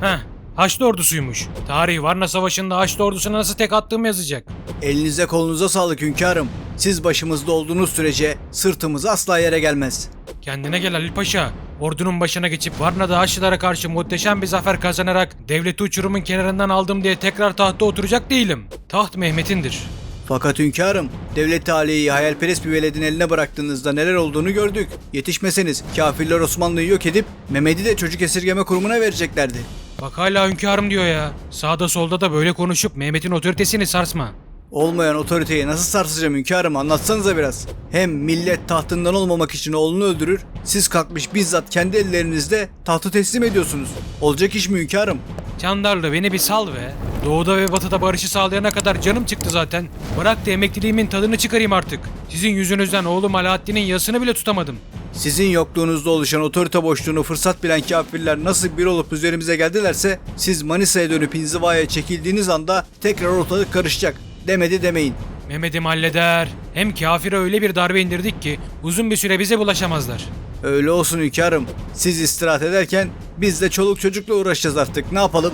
Heh, Haçlı ordusuymuş. Tarih Varna Savaşı'nda Haçlı ordusuna nasıl tek attığımı yazacak. Elinize kolunuza sağlık hünkârım. Siz başımızda olduğunuz sürece sırtımız asla yere gelmez. Kendine gel Halil Paşa. Ordunun başına geçip Varna'da Haçlılara karşı muhteşem bir zafer kazanarak devleti uçurumun kenarından aldım diye tekrar tahta oturacak değilim. Taht Mehmet'indir. Fakat hünkârım, devlet aliyeyi hayalperest bir veledin eline bıraktığınızda neler olduğunu gördük. Yetişmeseniz kafirler Osmanlı'yı yok edip Mehmet'i de çocuk esirgeme kurumuna vereceklerdi. Bak hala hünkârım diyor ya. Sağda solda da böyle konuşup Mehmet'in otoritesini sarsma. Olmayan otoriteyi nasıl sarsacağım hünkârım, anlatsanıza biraz. Hem millet tahtından olmamak için oğlunu öldürür, siz kalkmış bizzat kendi ellerinizle tahtı teslim ediyorsunuz. Olacak iş mi hünkârım? Candarlı beni bir sal be. Doğuda ve batıda barışı sağlayana kadar canım çıktı zaten. Bırak da emekliliğimin tadını çıkarayım artık. Sizin yüzünüzden oğlum Alaaddin'in yasını bile tutamadım. Sizin yokluğunuzda oluşan otorite boşluğunu fırsat bilen kafirler nasıl bir olup üzerimize geldilerse, siz Manisa'ya dönüp inzivaya çekildiğiniz anda tekrar ortalık karışacak. Demedi demeyin. Mehmet'im halleder. Hem kafire öyle bir darbe indirdik ki uzun bir süre bize bulaşamazlar. Öyle olsun hünkârım. Siz istirahat ederken biz de çoluk çocukla uğraşacağız artık. Ne yapalım?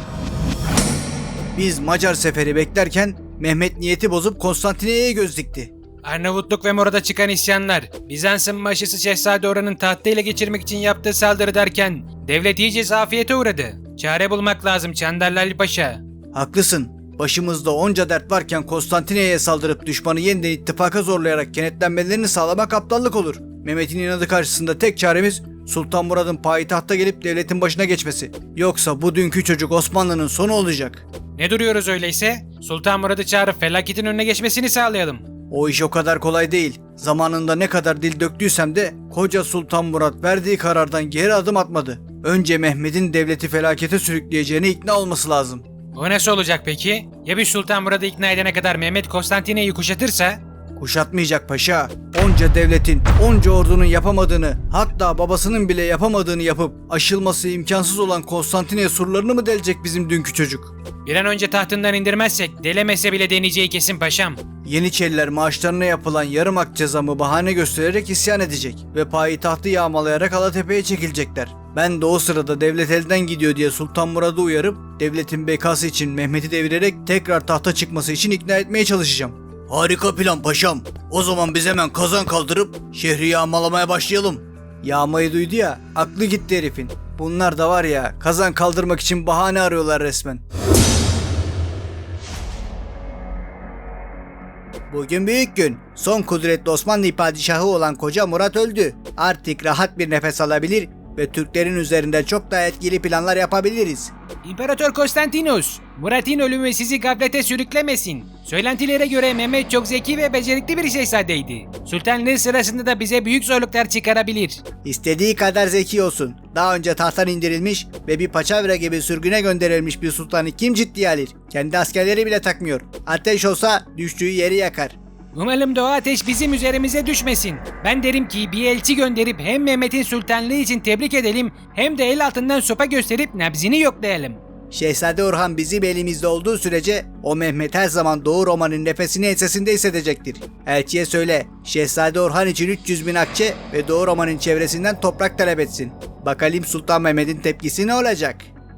Biz Macar seferi beklerken Mehmet niyeti bozup Konstantiniyye'ye göz dikti. Arnavutluk ve Mora'da çıkan isyanlar, Bizans'ın başısı Şehzade Orhan'ın tahtı ele geçirmek için yaptığı saldırı derken devlet iyice zafiyete uğradı. Çare bulmak lazım Çandarlı Ali Paşa. Haklısın. Başımızda onca dert varken Konstantiniyye'ye saldırıp düşmanı yeniden ittifaka zorlayarak kenetlenmelerini sağlamak aptallık olur. Mehmet'in inadı karşısında tek çaremiz Sultan Murad'ın payitahta gelip devletin başına geçmesi. Yoksa bu dünkü çocuk Osmanlı'nın sonu olacak. Ne duruyoruz öyleyse? Sultan Murad'ı çağırıp felaketin önüne geçmesini sağlayalım. O iş o kadar kolay değil. Zamanında ne kadar dil döktüysem de koca Sultan Murad verdiği karardan geri adım atmadı. Önce Mehmet'in devleti felakete sürükleyeceğine ikna olması lazım. O nasıl olacak peki? Ya bir Sultan Murad'ı ikna edene kadar Mehmet Konstantinye'yi kuşatırsa? Kuşatmayacak paşa. Onca devletin, onca ordunun yapamadığını, hatta babasının bile yapamadığını yapıp aşılması imkansız olan Konstantiniye surlarını mı delecek bizim dünkü çocuk? Bir an önce tahtından indirmezsek delemese bile deneyeceği kesin paşam. Yeniçeriler maaşlarına yapılan yarım ak cezamı bahane göstererek isyan edecek ve payitahtı yağmalayarak Alatepe'ye çekilecekler. Ben de o sırada devlet elden gidiyor diye Sultan Murad'ı uyarıp devletin bekası için Mehmet'i devirerek tekrar tahta çıkması için ikna etmeye çalışacağım. Harika plan paşam. O zaman biz hemen kazan kaldırıp şehri yağmalamaya başlayalım. Yağmayı duydu ya, aklı gitti herifin. Bunlar da var ya, kazan kaldırmak için bahane arıyorlar resmen. Bugün büyük gün. Son kudretli Osmanlı padişahı olan koca Murat öldü. Artık rahat bir nefes alabilir ve Türklerin üzerinde çok daha etkili planlar yapabiliriz. İmparator Konstantinos, Murat'ın ölümü sizi gaflete sürüklemesin. Söylentilere göre Mehmet çok zeki ve becerikli bir şehzadeydi. Sultanlığı sırasında da bize büyük zorluklar çıkarabilir. İstediği kadar zeki olsun. Daha önce tahttan indirilmiş ve bir paçavra gibi sürgüne gönderilmiş bir sultanı kim ciddiye alır? Kendi askerleri bile takmıyor. Ateş olsa düştüğü yeri yakar. Umalım da o ateş bizim üzerimize düşmesin. Ben derim ki bir elçi gönderip hem Mehmet'in sultanlığı için tebrik edelim hem de el altından sopa gösterip nabzini yoklayalım. Şehzade Orhan bizim elimizde olduğu sürece o Mehmet her zaman Doğu Roma'nın nefesini ensesinde hissedecektir. Elçiye söyle, Şehzade Orhan için 300 bin akçe ve Doğu Roma'nın çevresinden toprak talep etsin. Bakalım Sultan Mehmet'in tepkisi ne olacak?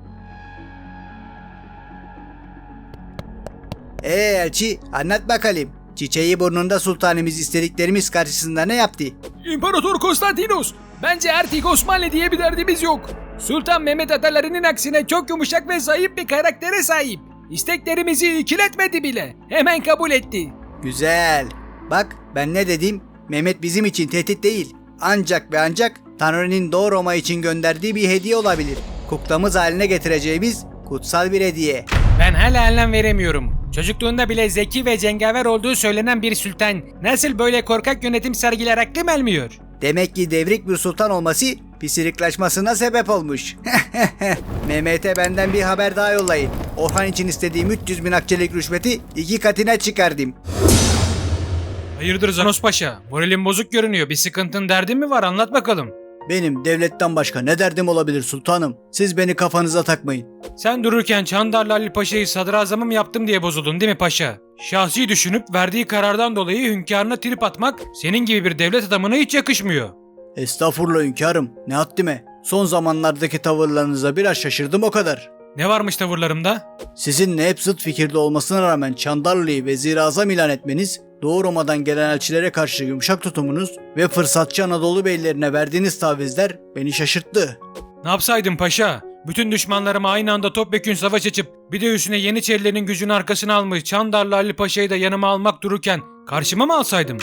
Elçi, anlat bakalım. Çiçeği burnunda sultanımız istediklerimiz karşısında ne yaptı? İmparator Konstantinos, bence artık Osmanlı diye bir derdimiz yok. Sultan Mehmet atalarının aksine çok yumuşak ve zayıf bir karaktere sahip. İsteklerimizi ikiletmedi bile. Hemen kabul etti. Güzel. Bak ben ne dedim? Mehmet bizim için tehdit değil. Ancak ve ancak Tanrı'nın Doğu Roma için gönderdiği bir hediye olabilir. Kuklamız haline getireceğimiz kutsal bir hediye. Ben hala anlam veremiyorum. Çocukluğunda bile zeki ve cengaver olduğu söylenen bir sultan nasıl böyle korkak yönetim sergiler aklım almıyor? Demek ki devrik bir sultan olması pisiriklaşmasına sebep olmuş. Mehmet'e benden bir haber daha yollayın. Orhan için istediğim 300 bin akçelik rüşveti 2 katına çıkardım. Hayırdır Zanos Paşa? Moralin bozuk görünüyor. Bir sıkıntın derdin mi var? Anlat bakalım. Benim devletten başka ne derdim olabilir sultanım? Siz beni kafanıza takmayın. Sen dururken Çandarlı Ali Paşa'yı sadrazamım yaptım diye bozuldun değil mi paşa? Şahsi düşünüp verdiği karardan dolayı hünkârına trip atmak senin gibi bir devlet adamına hiç yakışmıyor. Estağfurullah hünkârım, ne haddime. Son zamanlardaki tavırlarınıza biraz şaşırdım o kadar. Ne varmış tavırlarımda? Sizinle hep zıt fikirde olmasına rağmen Çandarlı'yı vezir-i-azam ilan etmeniz, Doğu Roma'dan gelen elçilere karşı yumuşak tutumunuz ve fırsatçı Anadolu beylerine verdiğiniz tavizler beni şaşırttı. Ne yapsaydım paşa? Bütün düşmanlarıma aynı anda topyekün savaş açıp bir de üstüne Yeniçerilerin gücünü arkasına almış Çandarlı Ali Paşa'yı da yanıma almak dururken karşıma mı alsaydım?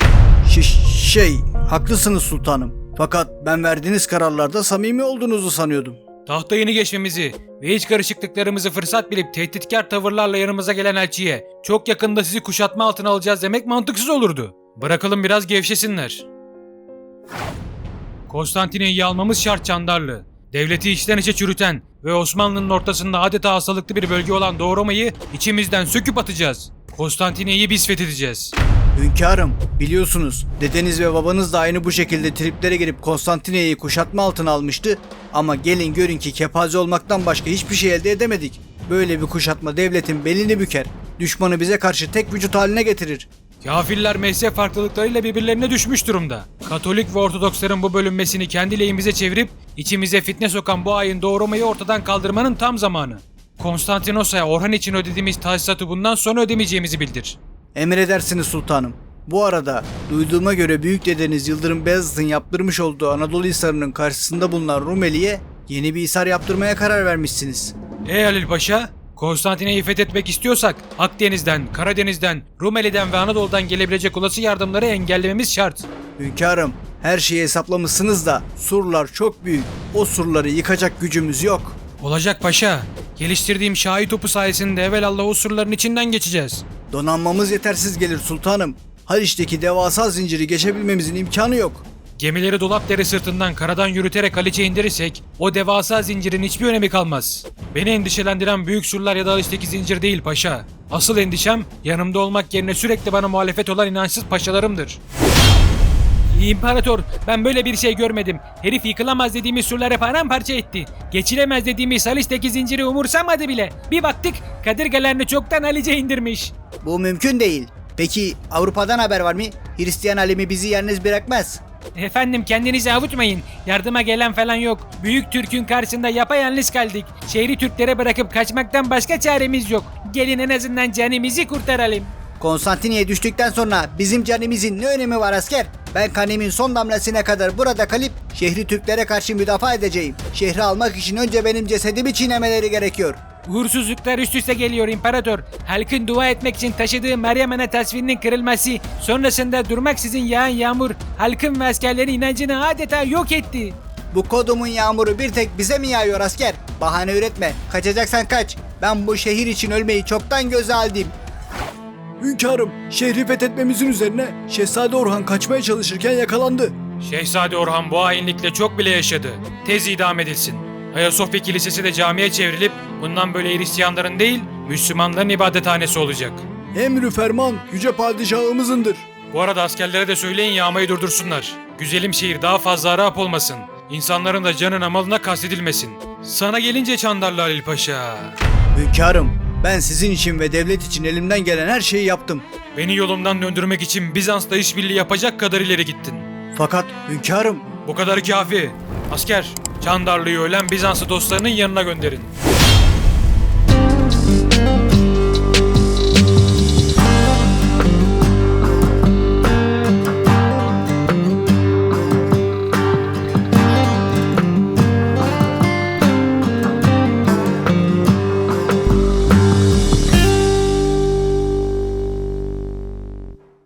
Haklısınız sultanım. Fakat ben verdiğiniz kararlarda samimi olduğunuzu sanıyordum. Tahta yeni geçmemizi ve iç karışıklıklarımızı fırsat bilip tehditkar tavırlarla yanımıza gelen elçiye çok yakında sizi kuşatma altına alacağız demek mantıksız olurdu. Bırakalım biraz gevşesinler. Konstantiniyye'yi almamız şart Çandarlı. Devleti içten içe çürüten ve Osmanlı'nın ortasında adeta hastalıklı bir bölge olan Doğu Roma'yı içimizden söküp atacağız. Konstantiniyye'yi biz fethedeceğiz. Hünkârım, biliyorsunuz dedeniz ve babanız da aynı bu şekilde triplere girip Konstantiniyye'yi kuşatma altına almıştı. Ama gelin görün ki kepaze olmaktan başka hiçbir şey elde edemedik. Böyle bir kuşatma devletin belini büker. Düşmanı bize karşı tek vücut haline getirir. Kafirler mezhep farklılıklarıyla birbirlerine düşmüş durumda. Katolik ve Ortodoksların bu bölünmesini kendi lehimize çevirip içimize fitne sokan bu ayın Doğu Roma'yı ortadan kaldırmanın tam zamanı. Konstantinos'a Orhan için ödediğimiz tahsisatı bundan sonra ödemeyeceğimizi bildir. Emredersiniz sultanım. Bu arada duyduğuma göre büyük dedeniz Yıldırım Beyazıt'ın yaptırmış olduğu Anadolu Hisarı'nın karşısında bulunan Rumeli'ye yeni bir hisar yaptırmaya karar vermişsiniz. Halil Paşa, Konstantiniyye'yi fethetmek istiyorsak Akdeniz'den, Karadeniz'den, Rumeli'den ve Anadolu'dan gelebilecek olası yardımları engellememiz şart. Hünkârım, her şeyi hesaplamışsınız da surlar çok büyük. O surları yıkacak gücümüz yok. Olacak paşa. Geliştirdiğim şahi topu sayesinde evelallah o surların içinden geçeceğiz. Donanmamız yetersiz gelir sultanım. Haliç'teki devasa zinciri geçebilmemizin imkanı yok. Gemileri Dolapdere sırtından karadan yürüterek Haliç'e indirirsek o devasa zincirin hiçbir önemi kalmaz. Beni endişelendiren büyük surlar ya da Haliç'teki zincir değil paşa. Asıl endişem yanımda olmak yerine sürekli bana muhalefet olan inançsız paşalarımdır. İmparator, ben böyle bir şey görmedim. Herif yıkılamaz dediğimiz surları paramparça etti. Geçilemez dediğimiz Haliç'teki zinciri umursamadı bile. Bir baktık kadırgalarını çoktan Haliç'e indirmiş. Bu mümkün değil. Peki Avrupa'dan haber var mı? Hristiyan alemi bizi yalnız bırakmaz. Efendim kendinizi avutmayın. Yardıma gelen falan yok. Büyük Türk'ün karşısında yapayalnız kaldık. Şehri Türklere bırakıp kaçmaktan başka çaremiz yok. Gelin en azından canımızı kurtaralım. Konstantiniyye düştükten sonra bizim canımızın ne önemi var asker? Ben kanimin son damlasına kadar burada kalıp şehri Türklere karşı müdafaa edeceğim. Şehri almak için önce benim cesedimi çiğnemeleri gerekiyor. Uğursuzluklar üst üste geliyor imparator. Halkın dua etmek için taşıdığı Meryem Ana tasvirinin kırılması, sonrasında durmaksızın yağan yağmur, halkın ve askerlerin inancını adeta yok etti. Bu kodumun yağmuru bir tek bize mi yağıyor asker? Bahane üretme. Kaçacaksan kaç. Ben bu şehir için ölmeyi çoktan göze aldım. Hünkârım, şehri fethetmemizin üzerine Şehzade Orhan kaçmaya çalışırken yakalandı. Şehzade Orhan bu hainlikle çok bile yaşadı. Tez idam edilsin. Ayasofya Kilisesi de camiye çevrilip bundan böyle Hristiyanların değil Müslümanların ibadethanesi olacak. Emrü ferman yüce padişahımızındır. Bu arada askerlere de söyleyin yağmayı durdursunlar. Güzelim şehir daha fazla harap olmasın. İnsanların da canına malına kastedilmesin. Sana gelince Çandarlı Halil Paşa. Hünkârım, ben sizin için ve devlet için elimden gelen her şeyi yaptım. Beni yolumdan döndürmek için Bizans'la işbirliği yapacak kadar ileri gittin. Fakat hünkârım... Bu kadar kafi. Asker, Çandarlı'yı ölen Bizanslı dostlarının yanına gönderin.